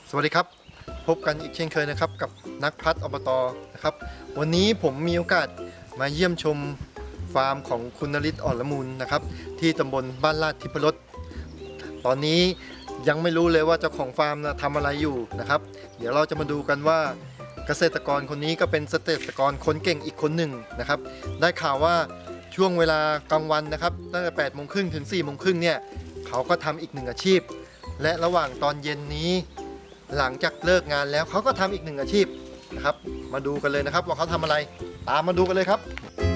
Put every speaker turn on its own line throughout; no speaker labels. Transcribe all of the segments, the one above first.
สวัสดีครับพบกันอีกเช่นเคยนะครับกับนักพัฒน์อบตนะครับวันนี้ผมมีโอกาสมาเยี่ยมชมฟาร์มของคุณนฤทธิ์อ่อนละมุนนะครับที่ตำบลบ้านลาดทิพรสตอนนี้ยังไม่รู้เลยว่าเจ้าของฟาร์มนะทำอะไรอยู่นะครับเดี๋ยวเราจะมาดูกันว่าเกษตรกรคนนี้ก็เป็นเกษตรกรคนเก่งอีกคนหนึ่งนะครับได้ข่าวว่าช่วงเวลากลางวันนะครับตั้งแต่8 โมงครึ่งถึง4 โมงครึ่งเนี่ยเขาก็ทำอีกหนึ่งอาชีพและระหว่างตอนเย็นนี้หลังจากเลิกงานแล้วเขาก็ทำอีกหนึ่งอาชีพนะครับมาดูกันเลยนะครับว่าเขาทำอะไรตามมาดูกันเลยครับ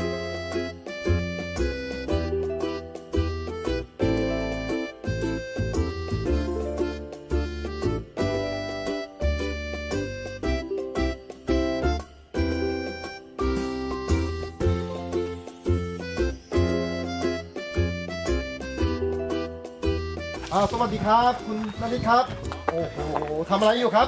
สวัสดีครับคุณนฤทธิ์ครับโอ้โหทำอะไรอยู่ครับ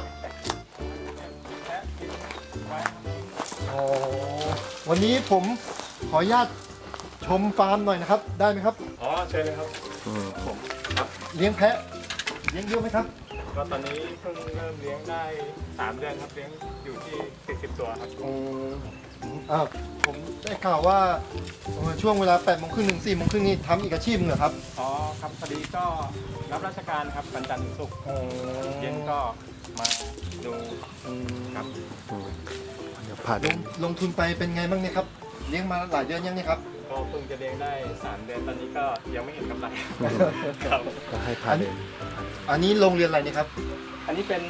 โอ้วันนี้ผมขออนุญาตชมฟาร์มหน่อยนะครับได้ไหมครับ
อ๋อเชิญเลยครับผมครับ
เลี้ยงแพะเลี้ยงเยอะไหมครับ
ก็ตอนนี้เพิ่งเริ่มเลี้ยงได้3 เดือนครับเลี้ยงอยู่ที่40 ตัวครับ
ผมได้ข่าวว่าช่วงเวลา8 โมงครึ่งถึง4 โมงครึ่งนี่ทำอีกอาชีพหนึ่งเหรอครับ
อ๋อครับพอดีก็รับราชการครับวันจันทร์ถึงศุกร์เย็นก็มาดูครับ
เดี๋ยวผ่านลงทุนไปเป็นไงบ้างเนี่ยครับเลี้ยงมาหลายเดือนยังเนี่ยครับ
ก็เพิ่งจะเลี้ยงได้3 เดือนตอนนี้ก็ยังไม่เห็นกำไรครับ
ก็ให้ผ่านอันนี้โรงเรียนอะไรเนี่ยครับ
อันนี้เป็น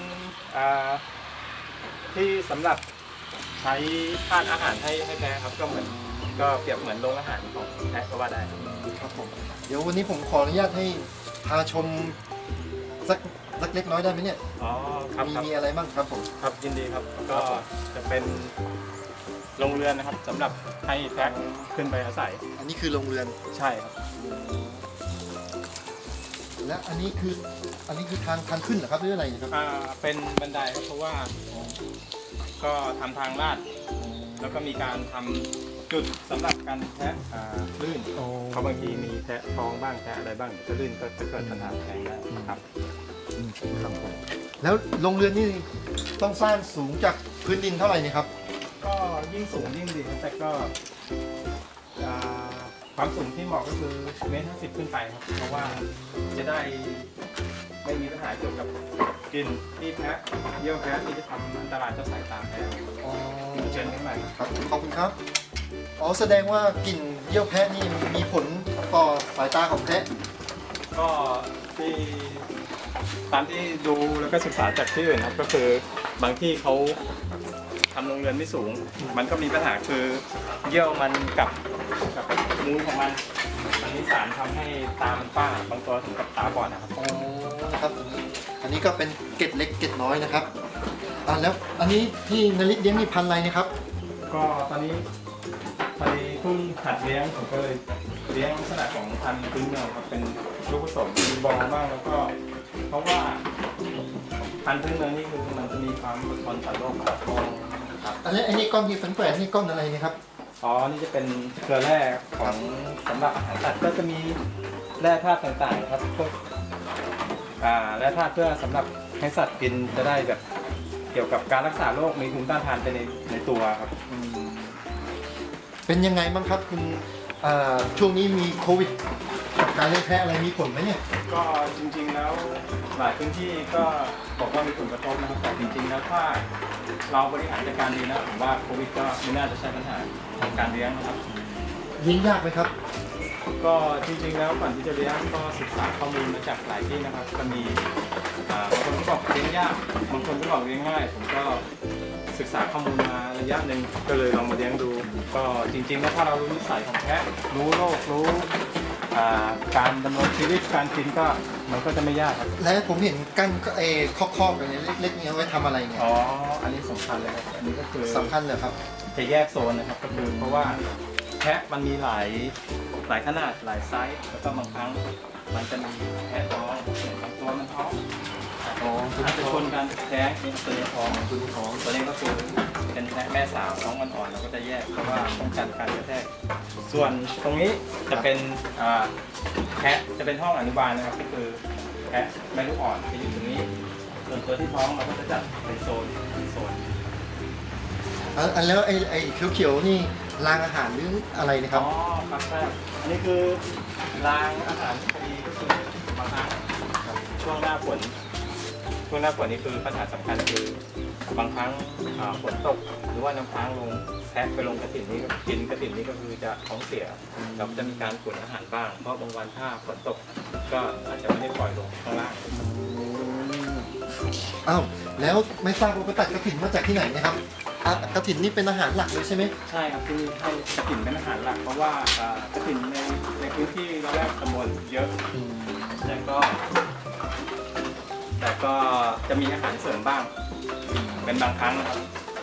ที่สำหรับใช้ทานอาหารให้แพะครับก็เหมือนก็เปรียบเหมือนโรงอาหารของแพะก็ว่าได้
ครับผมเดี๋ยววันนี้ผมขออนุญาตให้พาชมสักเล็กน้อยได้ไหมเนี่ย
อ๋อครับ
มีอะไรบ้างครับผม
ครับยินดีครับก็จะเป็นโรงเรือนนะครับสำหรับให้แพะขึ้นไปอาศัย
อันนี้คือโรงเรือน
ใช่ครับ
และอันนี้คือทางขึ้นเหรอครับหรืออะไรครับ
เป็นบันไดเพราะว่าก็ทำทางลาดแล้วก็มีการทำจุดสำหรับการแพะลื่นเพราะบางทีมีแพะท้องบ้างแพะอะไรบ้างจะลื่นก็จะเกิดปัญหาแทงได้ครับ
ครับผมแล้วโรงเรือนนี่ต้องสร้างสูงจากพื้นดินเท่าไหร่นี่ครับ
ก็ยิ่งสูงยิ่งดีแต่ก็ความสูงที่เหมาะก็คือ1.50 ขึ้นไปครับเพราะว่าจะได้ไม่มีปัญหาเกี่ยวกับกลิ่นที่แพะเยี่ยวแพะที่จะทำอันตรายต่อสายตาแพะเชิญขึ้นมา
ครับขอบคุณครับแสดงว่ากลิ่นเยี่ยวแพะนี่มีผลต่อสายตาของแพะ
ก็ที่ตามที่ดูแล้วก็ศึกษาจากที่อื่นครับก็คือบางที่เขาทำโรงเรือนไม่สูงมันก็มีปัญหาคือเยี่ยวมันกับมูลของมันมีสารทำให้ตามันฝ้าบางตัวถึงกับตาบอดนะครับ
นะครับอันนี้ก็เป็นเกล็ดเล็กเกล็ดน้อยนะครับแล้วอันนี้ที่นฤทธิ์เลี้ยงนี่พันธุ์อะไรนะครับ
ก็ตอนนี้พอดีเพิ่งหัดเลี้ยงผมก็เลยเลี้ยงลักษณะของพันธุ์พื้นเมืองครับเป็นลูกผสมมีบอลบ้างแล้วก็เพราะว่าพันธุ์พื้นเมืองนี่คือมันจะมีความอดทนต่อโรคครับ
อันนี้ก้อนที่แฝงนี่ก้อนอะไรนี่ครับ
อ๋อนี่จะเป็นเกลือแร่ของสำหรับอาหารสัตว์ก็จะมีแร่ธาตุต่างๆครับพวกแร่ธาตุเพื่อสำหรับให้สัตว์กินจะได้แบบเกี่ยวกับการรักษาโรคมีภูมิต้านทานไปในตัวครับ
เป็นยังไงบ้างครับคุณช่วงนี้มีโควิดกับการเลี้ยงแพะอะไรมีผลไหมเนี่ย
ก็จริงๆแล้วหลายพื้นที่ก็บอกว่ามีผลกระทบนะครับแต่จริงๆแล้วถ้าเราบริหารจัดการดีนะผมว่าโควิดก็ไม่น่าจะใช่ปัญหาของการเลี้ยงนะครับ
เลี้ยงยากไหมครับ
ก็จริงๆแล้วก่อนที่จะเลี้ยงก็ศึกษาข้อมูลมาจากหลายที่นะครับก็มีบางคนก็บอกเลี้ยงยากบางคนก็บอกเลี้ยงง่ายผมก็ศึกษาข้อมูลมาระยะหนึ่งก็เลยลองมาเลี้ยงดูก็จริงๆแล้วถ้าเรารู้นิสัยของแพะรู้โรครู้การดำรงชีวิตการกินก็มันก็จะไม่ยากครับ
และผมเห็นกั้นคอกๆแบบนี้เล็กๆนี้ไว้ทำอะไรเนี่ย
อ๋ออันนี้สำคัญเลยครับอันนี้ก็คือ
สำคัญเลยครับ
จะแยกโซนนะครับก็คือเพราะว่าแพะมันมีหลายขนาดหลายไซส์แล้วก็บางครั้งมันจะมีแพะท้องบางตัวมันท้องอาจจะชนกันแท้งเป็นตัวท้องตัวนี้ก็คือเป็นแพะแม่สาวท้องอ่อนๆเราก็จะแยกเพราะว่าป้องกันการกระแทกส่วนตรงนี้จะเป็นแพะจะเป็นห้องอนุบาลนะครับก็คือแพะแม่ลูกอ่อนจะอยู่ตรงนี้ส่วนตัวที่ท้องเราก็จะจัดเป็นโซนโซน
อันแล้วไอ้เขียวๆนี่รางอาหารหรืออะไรนะครับ
อ๋อครับใช่อันนี้คือรางอาหารพอดีก็คือบางครั้งครับช่วงหน้าฝนนี่คือปัญหาสำคัญคือบางครั้งฝนตกหรือว่าน้ำค้างลงแพะไปลงกระถิ่นนี้กินกระถิ่นนี้ก็คือจะท้องเสียเราจะมีการขุนอาหารบ้างเพราะบางวันถ้าฝนตกก็อาจจะไม่ได้ปล่อยลงข้างล่าง
อ้าวแล้วไม่ทราบว่าไปตัดกระถิ่นมาจากที่ไหนนะครับกระถิ่นนี่เป็นอาหารหลักเลยใช่ไหม
ใช่ครับที่ให้กระถิ่นเป็นอาหารหลักเพราะว่ากระถิ่นในพื้นที่เราแรกตำบลเยอะแต่ก็จะมีอาหารเสริมบ้างเป็นบางครั้งนะครับ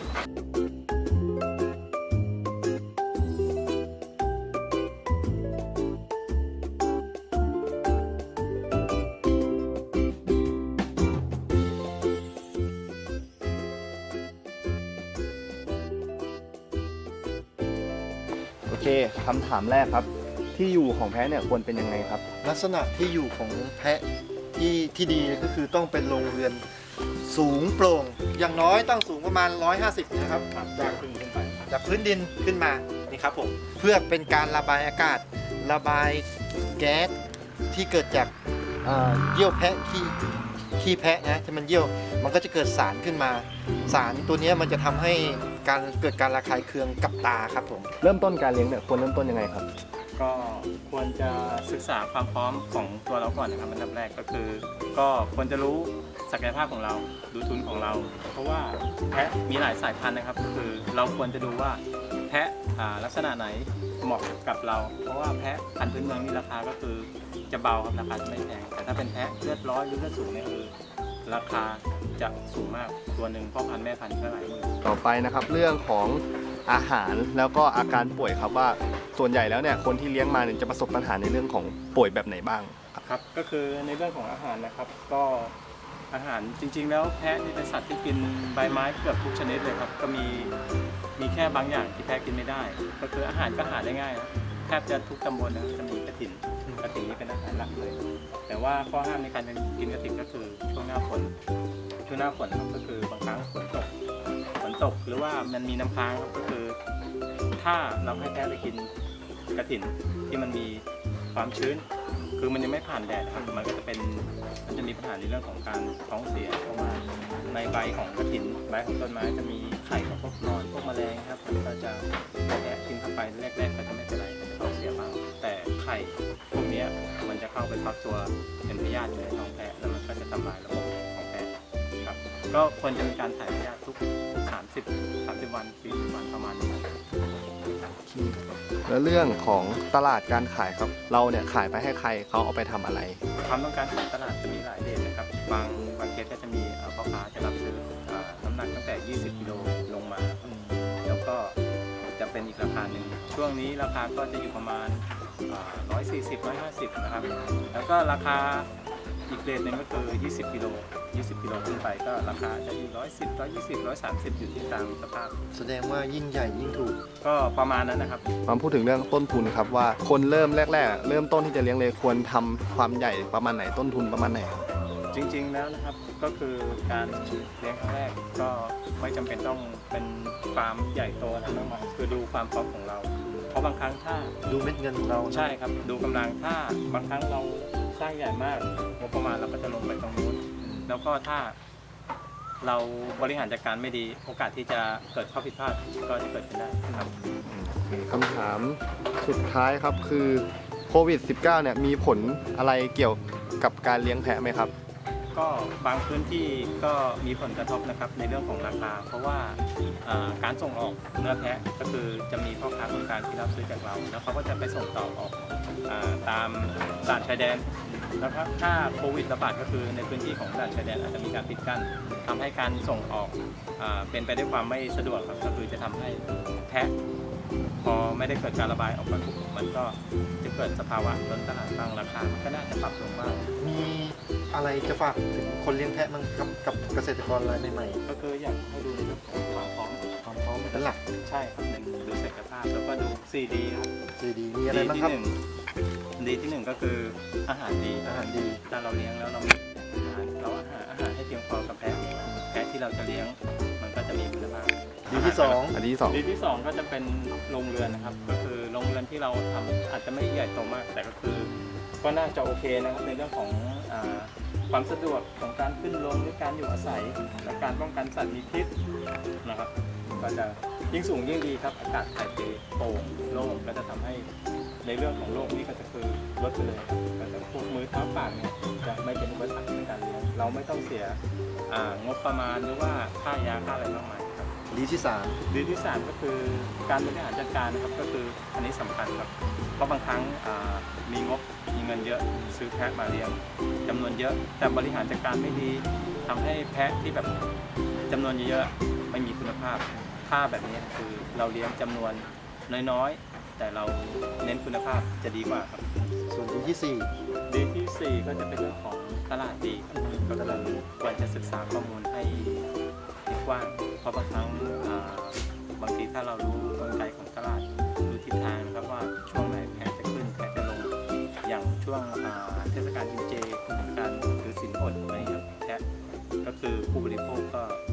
โอเคคำถามแรกครับ ที่อยู่ของแพะเนี่ยควรเป็นยังไงครับ
ลักษณะที่อยู่ของแพะที่ดีก็คือต้องเป็นโรงเรือนสูงโปร่ง อย่างน้อยต้องสูงประมาณ 150 นะครับ
จากขึ้นไป
จากพื้นดินขึ้นมานี่ครับผมเพื่อเป็นการระบายอากาศ ระบายแก๊สที่เกิดจากเยี่ยวแพะขี้แพะนะที่มันเยี่ยวมันก็จะเกิดสารขึ้นมา สารตัวนี้มันจะทำให้เกิดการระคายเคืองกับตาครับผม
เริ่มต้นการเลี้ยงเนี่ยควรเริ่มต้นยังไงครับ
ก็ควรจะศึกษาความพร้อมของตัวเราก่อนนะครับอันดับแรกก็คือ ก็ควรจะรู้ศักยภาพของเราดูทุนของเรา เพราะว่าแพะมีหลายสายพันธุ์นะครับก็คือเราควรจะดูว่าแพะลักษณะไหนเหมาะกับเรา เพราะว่าแพะพันธุ์พื้นเมืองนี่ราคาก็คือจะเบาครับราคาจะไม่แพงแต่ถ้าเป็นแพะเลือดร้อยหรือเลือดสูงเนี่ยคือราคาจะสูงมากตัวหนึ่งพ่อพันธุ์แม่พันธุ์ก็หลายหมื่น
ต่อไปนะครับเรื่องของอาหารแล้วก็อาการป่วยครับว่าส่วนใหญ่แล้วเนี่ยคนที่เลี้ยงมาเนี่ยจะประสบปัญหาในเรื่องของป่วยแบบไหนบ้างครับ
ครับก็คือในเรื่องของอาหารนะครับก็อาหารจริงๆ แล้วแพะนี่เป็นสัตว์ที่กินใบไม้เกือบทุกชนิดเลยครับก็มีแค่บางอย่างที่แพะกินไม่ได้ ก็คืออาหารก็หาได้ง่ายนะแทบจะทุกตำบลนะจะมีกระถิ่นนี่เป็นอาหารหลักเลย แต่ว่าข้อห้ามในการกินกระถิ่นก็คือช่วงหน้าฝนครับก็คือบางครั้งฝนตกหรือว่ามันมีน้ำค้างครับก็คือ ถ้าเราให้แพะไปกินกระถิ่นที่มันมีความชื้น คือมันยังไม่ผ่านแดดครับมันจะมีปัญหาในเรื่องของการท้องเสียเพราะว่าในใบของกระถิ่นใบของต้นไม้จะมีไข่ของพวกนอนพวกแมลงครับมันก็จะแอะกินเข้าไปแรกๆก็จะไม่เป็นไรก็จะท้องเสียบ้างแต่ไข่พวกนี้มันจะเข้าไปพักตัวเป็นพยาธิในท้องแพะแล้วมันก็จะทำลายระบบของแพะครับก็ควรจะมีการถ่ายพยาธิทุก30 วัน40 วันประมาณนี้
แล้วเรื่องของตลาดการขายครับเราเนี่ยขายไปให้ใครเขาเอาไปทำอะไร
ความต้องการของตลาดจะมีหลายเดทนะครับบางเคสก็จะมีพ่อค้าจะรับซื้อน้ำหนักตั้งแต่ 20 กิโลลงมาแล้วก็จะเป็นอีกราคาหนึ่งช่วงนี้ราคาก็จะอยู่ประมาณ140 150นะครับแล้วก็ราคาอีกเรทหนึ่งก็คือ 20 กิโลขึ้นไปก็ราคาจะอยู่110 120 130อยู่ที่ตามสภาพ
แสดงว่ายิ่งใหญ่ยิ่งถูก
ก็ประมาณนั้นนะครับ
มาพูดถึงเรื่องต้นทุนครับว่าคนเริ่มแรกๆเริ่มต้นที่จะเลี้ยงเลยควรทำความใหญ่ประมาณไหนต้นทุนประมาณไหนครับ
จริงๆแล้วนะครับก็คือการเลี้ยงครั้งแรกก็ไม่จำเป็นต้องเป็นฟาร์มใหญ่โตอะไรมากมายคือดูความพร้อมของเรา เพราะบางครั้งถ้า
ดูเม็ดเงินของเรา
ใช่ครับดูกำลังถ้าบางครั้งเราสร้างใหญ่มากงบประมาณเราก็จะลงไปตรงนู้นแล้วก็ถ้าเราบริหารจัดการไม่ดีโอกาสที่จะเกิดข้อผิดพลาดก็จะเกิดขึ้นได้ครับ
คำถามสุดท้ายครับคือโควิด -19 เนี่ยมีผลอะไรเกี่ยวกับการเลี้ยงแพะไหมครับ
ก็บางพื้นที่ก็มีผลกระทบนะครับในเรื่องของราคา เพราะว่าการส่งออกเนื้อแพะก็คือจะมีพ่อค้าคนกลางที่รับซื้อจากเรา แล้วเขาก็จะไปส่งต่อออกตามด่านชายแดนนะครับถ้าโควิดระบาดก็คือในพื้นที่ของด่านชายแดนอาจจะมีการปิดกั้นทำให้การส่งออกเป็นไปด้วยความไม่สะดวกครับก็คือจะทำให้แพะพอไม่ได้เกิดการระบายออกมาปุ๊บมันก็จะเกิดสภาวะล้นตลาดบ้างราคามันก็น่าจะปรับลงบ้าง
มีอะไรจะฝากถึงคนเลี้ยงแพะมั้งกับเกษตรกรรายใหม่
ก็คืออยากให้ดูในเรื่องของความพร้อม
ๆความพร้อมเป็นหลัก
ใช่ครับหนึ่งดูศักยภาพแล้วก็ดู 4D ครับ
ดีมีอะไรบ้างครับ
ดีที่หนึ่งก็คืออาหารดี
อาหารดี
ถ้าเราเลี้ยงแล้วเรามีอาหารเราอาหารให้เพียงพอกับแพะที่เราจะเลี้ยงมันก็จะมีคุณภาพ
ดีที่สอง
อันที่สอง
ดีที่สองก็จะเป็นโรงเรือนนะครับก็คือโรงเรือนที่เราทำอาจจะไม่ใหญ่โตมาก แต่ก็คือก็น่าจะโอเคนะครับในเรื่องของความสะดวกของการขึ้นลงหรือการอยู่อาศัยและการป้องกันสัตว์มีพิษนะครับก็จะยิ่งสูงยิ่งดีครับอากาศถ่ายเทโปร่งโล่งก็จะทำให้ในเรื่องของโรคนี้ก็จะคือลดไปเลยครับก็จะพวกมือเท้าปากเนี่ยจะไม่เป็นอุปสรรคในการเลี้ยงเราไม่ต้องเสียงบประมาณหรือว่าค่ายาค่าอะไรมากมายครับ
ดีที่สาม
ดีที่สามก็คือการบริหารจัดการนะครับก็คืออันนี้สำคัญครับเพราะบางครั้งมีงบมีเงินเยอะซื้อแพะมาเลี้ยงจำนวนเยอะ แต่บริหารจัดการไม่ดีทำให้แพะที่แบบจำนวนเยอะๆไม่มีคุณภาพถ้าแบบนี้คือเราเลี้ยงจำนวนน้อยๆแต่เราเน้นคุณภาพจะดีกว่าครับ
ส่วนดีที่สี่
ดีที่สี่ก็จะเป็นเรื่องของตลาดดีครับก็เราควรจะศึกษาข้อมูลให้กว้างเพราะบางครั้งบางทีถ้าเรารู้กลไกของตลาดรู้ทิศทางนะครับว่าช่วงไหนแพะจะขึ้นแพะจะลงอย่างช่วงเทศกาลกินเจการถือศีลอดอะไรครับแพะก็คือผู้บริโภคก็